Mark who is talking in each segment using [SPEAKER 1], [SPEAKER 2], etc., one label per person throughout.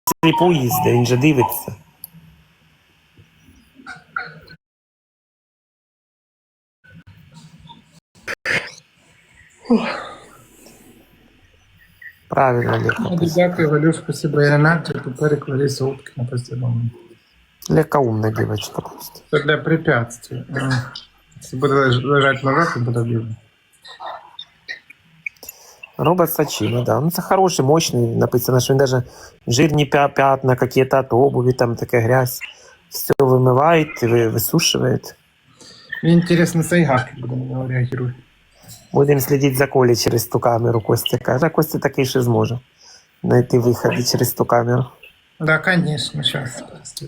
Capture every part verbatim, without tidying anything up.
[SPEAKER 1] сліпу їздить, він же дивиться. Правильно, Лека.
[SPEAKER 2] Дякую, Валюш, спасибо. І Ренат, тепер Лариса Уткина постійно.
[SPEAKER 1] Лека умна дівчинка просто.
[SPEAKER 2] Це для препятствий. Якщо буде лежати назад, то буде видно.
[SPEAKER 1] Робот Сачина, да. Ну, це хороший, мощний. Написано, що він даже жирні пятна, какие-то от обуви, там така грязь. Все вимивають, висушують.
[SPEAKER 2] Мені інтересно, Сайгак буде на нього реагувати.
[SPEAKER 1] Будемо слідити за Колей через ту камеру, Костя каже. А Костя такий ще зможе знайти виходи через ту камеру.
[SPEAKER 2] Да, конечно, сейчас.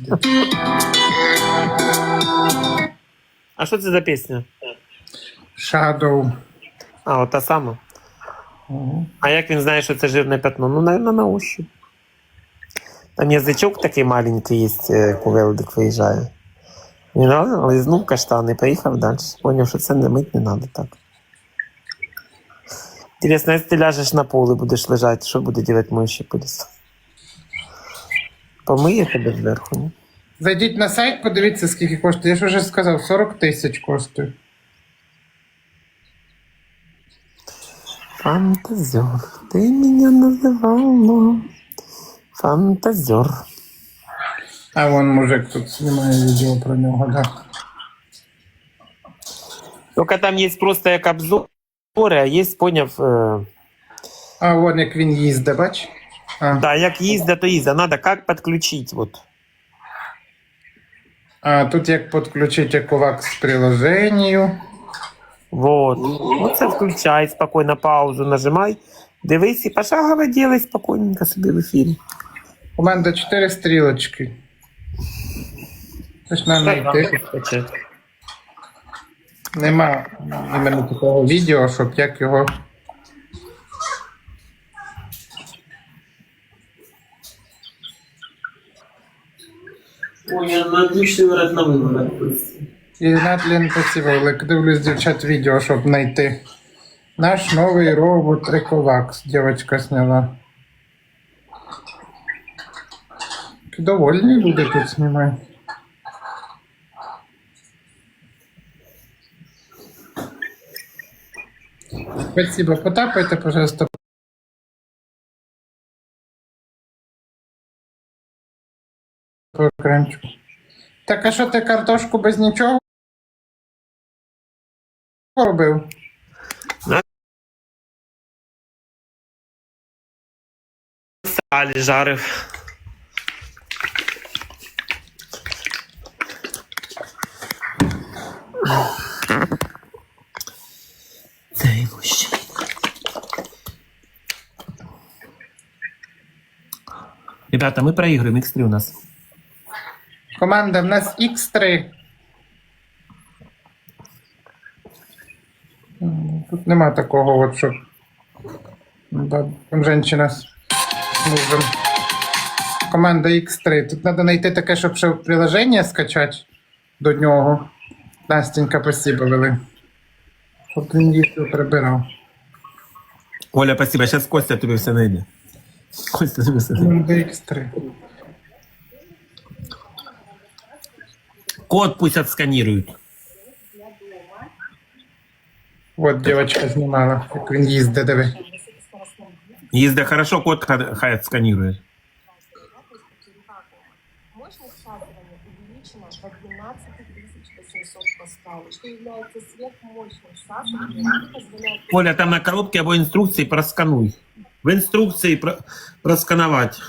[SPEAKER 1] А що це за пісня?
[SPEAKER 2] Shadow.
[SPEAKER 1] А, от та сама.
[SPEAKER 2] Угу.
[SPEAKER 1] А як він знає, що це жирне пятно? Ну, наверное, на ощупь. Там язичок такий маленький є, кувелдик виїжджає. Він лизнув каштан і поїхав далі. Поняв, що це не мить не треба так. Інтересно, якщо ти ляжеш на поле, будеш лежати, що буде робити миючий пиліс? Помиє тебе зверху, ні?
[SPEAKER 2] Зайдіть на сайт, подивіться, скільки коштує. Я ж вже сказав, сорок тисяч коштує.
[SPEAKER 1] Фантазер, ти мене називала. Фантазер.
[SPEAKER 2] А вон мужик тут знімає відео про нього, да.
[SPEAKER 1] Тільки там є просто як обзори, а є, поняв... Е...
[SPEAKER 2] А вон як він їздить, бач? А.
[SPEAKER 1] Да, як їздить, то їздить. Надо як підключити, вот.
[SPEAKER 2] А тут як підключити Ecovacs к приложенню.
[SPEAKER 1] Вот. Оце включай, спокійно паузу нажимай. Дивись і пошагово делай спокійненько собі в ефірі.
[SPEAKER 2] Команда чотири стрілочки. Це ж на знайти. Нема іменно такого відео, щоб як його...
[SPEAKER 1] Ой, я на отличный варіант на виборах.
[SPEAKER 2] І Натлін спасибо, Олег. Дивлюсь, дівчат, відео, щоб знайти. Наш новий робот Ecovacs, дівчинка сняла. Довольні люди тут знімають. Спасибо, потапайте, пожалуйста. По екранчику. Так, а що ти картошку без нічого робив?
[SPEAKER 1] Салі жарив. Цей мужчина. Ребята, мы проигрываем. ікс три у нас.
[SPEAKER 2] Команда, в нас ікс три. Тут нема такого, от, що там жінка з мужем. Команда ікс три. Тут треба знайти таке, щоб ще приложення скачати до нього. Настенька, спасибо, вели. Щоб він їх прибирав.
[SPEAKER 1] Оля, спасибо. Сейчас Костя тобі все найде. Костя тобі все найде.
[SPEAKER 2] Команда ікс три.
[SPEAKER 1] Код пусть отсканируют.
[SPEAKER 2] Вот девочка знімала, як він їздить, диви.
[SPEAKER 1] Їзде хорошо, код хай отсканирует.
[SPEAKER 3] Мощность шатывания увеличена до двенадцати тысяч восьмисот паскалей, что является сверхмощным шатыванием и позволяет...
[SPEAKER 1] Оля, там на коробке або инструкции проскануй. В инструкции про проскановать.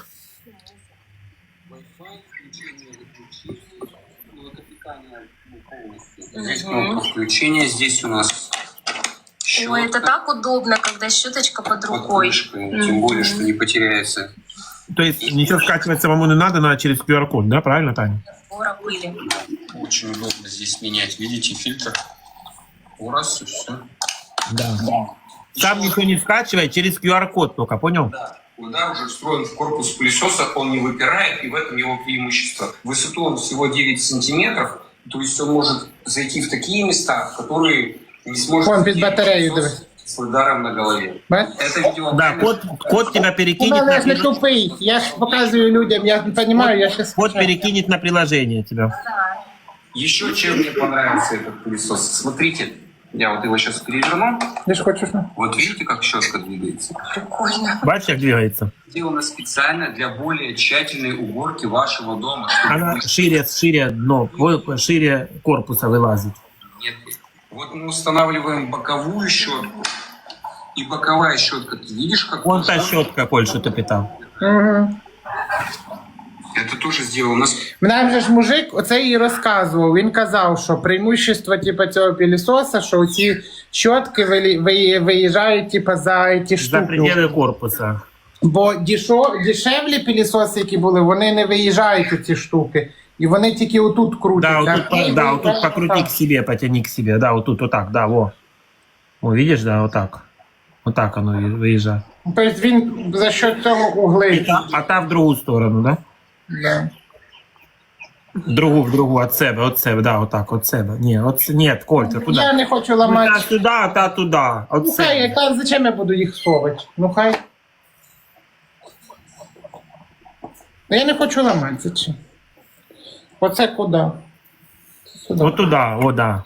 [SPEAKER 4] Здесь кнопка включения, здесь у нас щетка.
[SPEAKER 3] Ой, это так удобно, когда щеточка под рукой.
[SPEAKER 4] Mm-hmm. Тем более, что не потеряется.
[SPEAKER 1] То есть ничего скачивать самому не надо, надо через ку ар код, да? Правильно, Таня?
[SPEAKER 3] Вора пыли.
[SPEAKER 4] Очень удобно здесь менять. Видите, фильтр. Раз и все.
[SPEAKER 1] Да. Сам ничего не скачивай, через ку ар код только, понял?
[SPEAKER 4] Да. Да, уже встроен в корпус пылесоса, он не выпирает, и в этом его преимущество. Высоту он всего девять сантиметров, то есть он может зайти в такие места, в которые не сможет...
[SPEAKER 2] Вон, під батарею, диви.
[SPEAKER 4] с ударом на голове.
[SPEAKER 2] Бач?
[SPEAKER 4] Это видео...
[SPEAKER 1] Да, кот, кот тебя
[SPEAKER 2] Ну,
[SPEAKER 1] перекинет
[SPEAKER 2] але
[SPEAKER 1] на
[SPEAKER 2] я ж не
[SPEAKER 1] приложение.
[SPEAKER 2] тупий. Я ж показую людям, я не розумію, я щас...
[SPEAKER 1] Кот перекинет на приложение тебя.
[SPEAKER 4] Еще чем мне понравился этот пылесос. Смотрите, я вот его сейчас переверну.
[SPEAKER 2] Ти ж хочеш? ну?
[SPEAKER 4] Вот видите, как щетка двигается?
[SPEAKER 1] Бачишь, как двигается?
[SPEAKER 4] Сделано специально для более тщательной уборки вашего дома. чтобы
[SPEAKER 1] Она
[SPEAKER 4] вы-
[SPEAKER 1] шире, шире дно, во- шире корпуса вылазит.
[SPEAKER 4] Нет. Вот мы устанавливаем боковую щетку. И боковая щетка, ты видишь, как...
[SPEAKER 1] Вон та щетка, Коль, что ты питал.
[SPEAKER 2] Угу.
[SPEAKER 4] Это тоже сделано.
[SPEAKER 2] Нам же ж мужик оце і розказував. Він казав, що преимущество типу, цього пилісоса, що ці щотки вилі- ви- виїжджають типу, за ті
[SPEAKER 1] За
[SPEAKER 2] штуки.
[SPEAKER 1] пределы корпуса.
[SPEAKER 2] Бо дішо, дешевлі пилісоси, які були, вони не виїжджають у ці штуки. І вони тільки отут крутяться.
[SPEAKER 1] Да, вот тут, по- да, вот тут покрути к себе, потяни к себе. Да, вот тут, вот так, да, во. О, видишь, да, вот так. Вот так оно и выезжает.
[SPEAKER 2] Тобто він за що цього угли.
[SPEAKER 1] А та в другую сторону, да?
[SPEAKER 2] Да.
[SPEAKER 1] В другу, в другу, от себе, от себе, да, вот так, от себе. Ні, от, нет, Коль, ты
[SPEAKER 2] Я
[SPEAKER 1] куда?
[SPEAKER 2] не хочу
[SPEAKER 1] Ну,
[SPEAKER 2] ламати.
[SPEAKER 1] та сюди, а та туди. От
[SPEAKER 2] Ну хай,
[SPEAKER 1] себе.
[SPEAKER 2] яка, зачем я буду їх совати? Ну хай. Ну, я не хочу ламати, зачем? Оце куди? Це сюди.
[SPEAKER 1] От туди, о, да.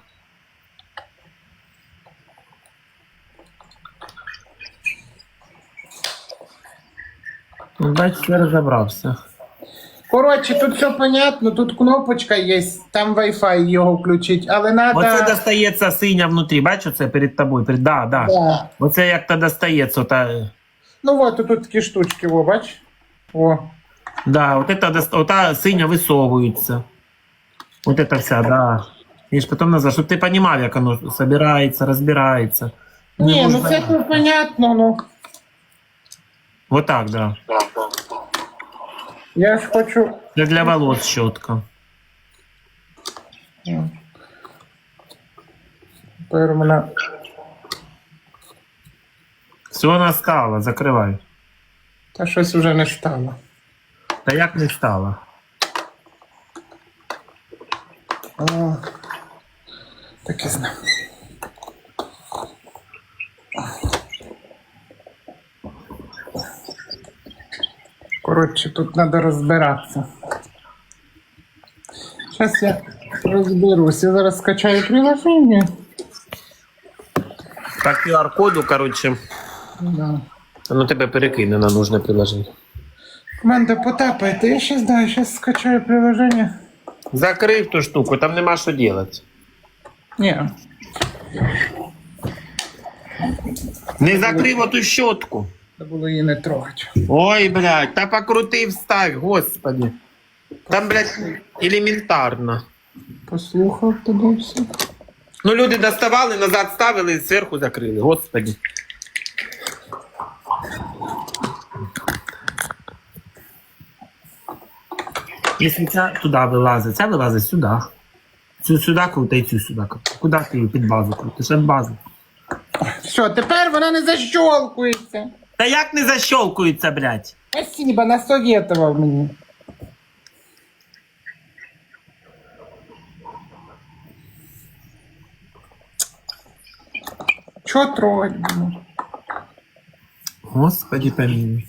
[SPEAKER 1] Ну, бачиш, я розібрався.
[SPEAKER 2] Коротше, тут все понятно, тут кнопочка є, там Wi-Fi його включить, але надо...
[SPEAKER 1] Оце достається синя внутрі, бачиш, оце перед тобою, перед, да, да.
[SPEAKER 2] Да.
[SPEAKER 1] Оце як то достається, ота,
[SPEAKER 2] Ну от, тут такі штучки, о, бач? О.
[SPEAKER 1] да, от это, доста- ота синя висовується. Вот это вся, да. І ж потім назад, щоб ти розумів, як воно собирається, розбирається. Не
[SPEAKER 2] Ні, ну
[SPEAKER 1] можна-
[SPEAKER 2] це тут понятно, ну.
[SPEAKER 1] Вот так, да.
[SPEAKER 2] Я ж хочу...
[SPEAKER 1] Це для волос щотка.
[SPEAKER 2] Тепер у мене...
[SPEAKER 1] Все настало, закривай.
[SPEAKER 2] Та щось вже не стало.
[SPEAKER 1] Та як не стало?
[SPEAKER 2] О. Так і знав. Коротше, тут треба розбиратися. Зараз я розберусь. Я зараз скачаю приложення.
[SPEAKER 1] По ку ар коду, короче,
[SPEAKER 2] Да.
[SPEAKER 1] воно тебе перекине на нужне приложення.
[SPEAKER 2] Команда, потапайте. Я зараз, да, зараз скачаю приложення.
[SPEAKER 1] Закрив ту штуку, там нема що робити.
[SPEAKER 2] Ні.
[SPEAKER 1] Не закрив оту щотку.
[SPEAKER 2] Треба було її не трогати.
[SPEAKER 1] Ой, блядь, та покрути вставь, господи. Там, блядь, елементарно.
[SPEAKER 2] Послухав тебе все.
[SPEAKER 1] Ну, люди доставали, назад ставили і зверху закрили, господи. Якщо ця туди вилазить, ця вилазить сюди. Цю сюди крута і цю сюди. Куди ти її під базу крутиш? Під базу.
[SPEAKER 2] Все, тепер вона не защолкується.
[SPEAKER 1] Та як не защолкується, блядь?
[SPEAKER 2] Спасибо, насоветував мені. Чого трогать буду?
[SPEAKER 1] Господи, помилуй.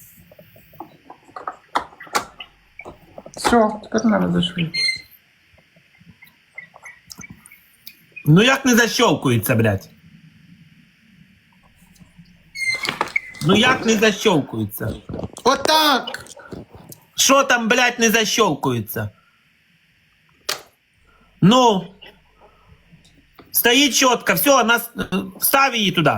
[SPEAKER 2] Все, тепер треба зашвидкуватися.
[SPEAKER 1] Ну як не защолкується, блядь? Ну як не защолкується?
[SPEAKER 2] Отак!
[SPEAKER 1] Що там, блядь, не защолкується? Ну. Стоїть чітко, все, нас... встав її туди.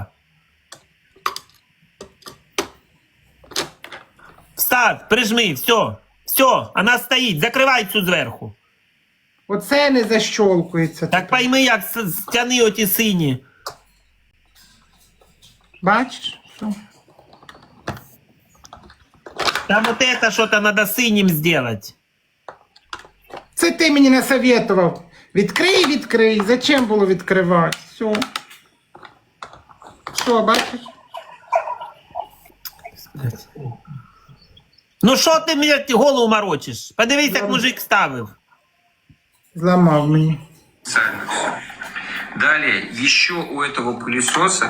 [SPEAKER 1] Встав, прижми, все. Все, вона стоїть, закривай цю зверху.
[SPEAKER 2] Оце не защолкується.
[SPEAKER 1] Так пойми, як с- стяни оті сині.
[SPEAKER 2] Бачиш? Що?
[SPEAKER 1] Там вот это что-то надо синим сделать.
[SPEAKER 2] Це ти мені насоветував. Відкрий, відкрий. Зачем було відкривати? Все. Що, бачиш?
[SPEAKER 1] Ну що ти мені голову морочиш? Подивись, як мужик ставив.
[SPEAKER 2] Зламав мені.
[SPEAKER 4] Специально всё. Далее, еще у этого пылесоса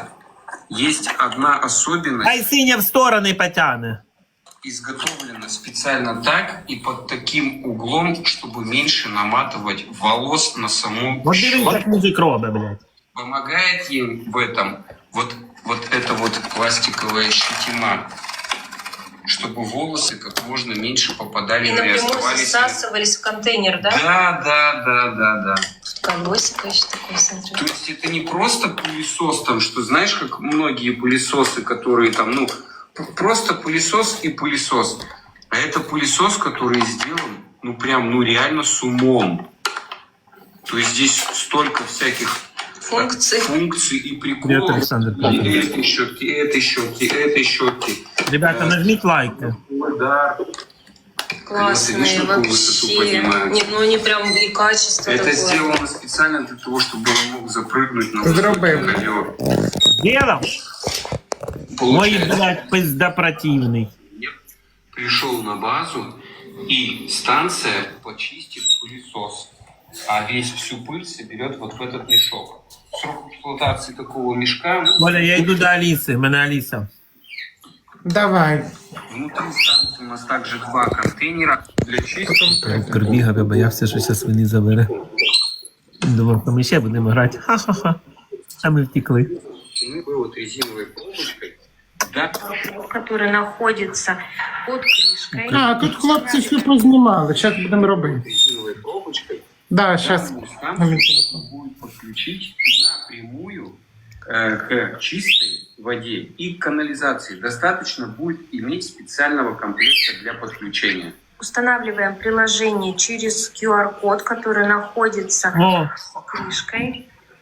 [SPEAKER 4] есть одна особенность.
[SPEAKER 1] Хай синя в сторони потягне.
[SPEAKER 4] Изготовлено специально так и под таким углом, чтобы меньше наматывать волос на саму
[SPEAKER 1] Вот дивись, як
[SPEAKER 4] щетку.
[SPEAKER 1] мужик робить, блядь.
[SPEAKER 4] Помогает ей в этом вот, вот эта вот пластиковая щетина, чтобы волосы как можно меньше попадали
[SPEAKER 5] И
[SPEAKER 4] на и
[SPEAKER 5] напрямую
[SPEAKER 4] оставались.
[SPEAKER 5] засасывались в контейнер, да?
[SPEAKER 4] Да, да, да, да, да.
[SPEAKER 5] Колесико еще такое, смотрю.
[SPEAKER 4] То есть это не просто пылесос, там, что знаешь, как многие пылесосы, которые там, ну, п- просто пылесос и пылесос. А это пылесос, который сделан, ну, прям, ну, реально с умом. То есть здесь столько всяких
[SPEAKER 5] Функций.
[SPEAKER 4] функций и
[SPEAKER 1] Привет,
[SPEAKER 4] приколов.
[SPEAKER 1] Александр
[SPEAKER 4] И
[SPEAKER 1] Павлович.
[SPEAKER 4] этой щетки, этой щетки, этой щетки.
[SPEAKER 1] Ребята, нажміть лайки.
[SPEAKER 4] Да.
[SPEAKER 5] Классные
[SPEAKER 4] видишь, какую высоту
[SPEAKER 5] вообще.
[SPEAKER 4] поднимают?
[SPEAKER 5] Не, ну они прям и качество
[SPEAKER 4] Это
[SPEAKER 5] такое.
[SPEAKER 4] сделано специально для того, чтобы он мог запрыгнуть на
[SPEAKER 2] Зробив.
[SPEAKER 4] высокий ковер.
[SPEAKER 1] Делав? Ой,
[SPEAKER 4] Получается,
[SPEAKER 1] блядь, пизда противний.
[SPEAKER 4] пришел на базу, и станция почистит пылесос, а весь всю пыль соберет вот в этот мешок. Срок эксплуатации такого мешка, ну,
[SPEAKER 1] Оля, я йду до Аліси, в мене Аліса.
[SPEAKER 2] Давай.
[SPEAKER 4] внутри станции у нас также два контейнера для чистки.
[SPEAKER 1] Прибігав, я боявся, що зараз вони забере. Думав, ми ще будемо грати. Ха-ха-ха. А ми втекли.
[SPEAKER 4] Вот резиновой пробочкой. Да,
[SPEAKER 5] Который находится под крышкой.
[SPEAKER 2] А, тут хлопці все познімали. Зараз будемо робити.
[SPEAKER 4] резиновой пробочкой.
[SPEAKER 2] Да, зараз.
[SPEAKER 4] Данную станцию будет подключить напрямую э, к чистой воде и к канализации. Достаточно будет иметь специального комплекта для подключения.
[SPEAKER 5] Устанавливаем приложение через ку ар-код, который находится
[SPEAKER 1] О,
[SPEAKER 5] под крышкой.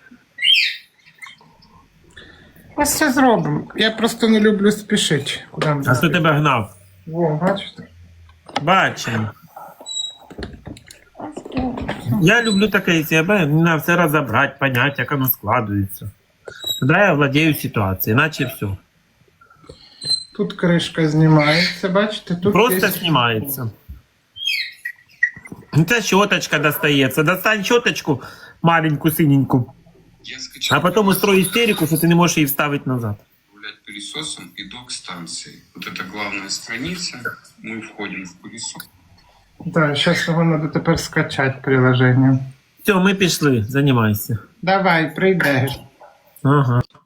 [SPEAKER 2] Ось все зробимо. Я просто не люблю спішити. Куди ми?
[SPEAKER 1] а хто тебе гнав?
[SPEAKER 2] Во, бачите?
[SPEAKER 1] Бачимо. Я люблю таке себе, мені треба все розібрати, понять, як воно складується. Тоді я владію ситуацією, іначе все.
[SPEAKER 2] Тут кришка знімається, бачите? Тут
[SPEAKER 1] Просто
[SPEAKER 2] є...
[SPEAKER 1] знімається. Це щоточка достається. Достань щоточку маленьку, синеньку,
[SPEAKER 4] Я скачал
[SPEAKER 1] а потім устрой істерику, що ти не можеш її вставити назад.
[SPEAKER 4] управлять пылесосом и док-станции. Вот это главная страница. Мы входим в пылесос.
[SPEAKER 2] Да, зараз його треба тепер скачати приложення.
[SPEAKER 1] Все, ми пішли, займайся.
[SPEAKER 2] Давай, прийдеш.
[SPEAKER 1] Ага.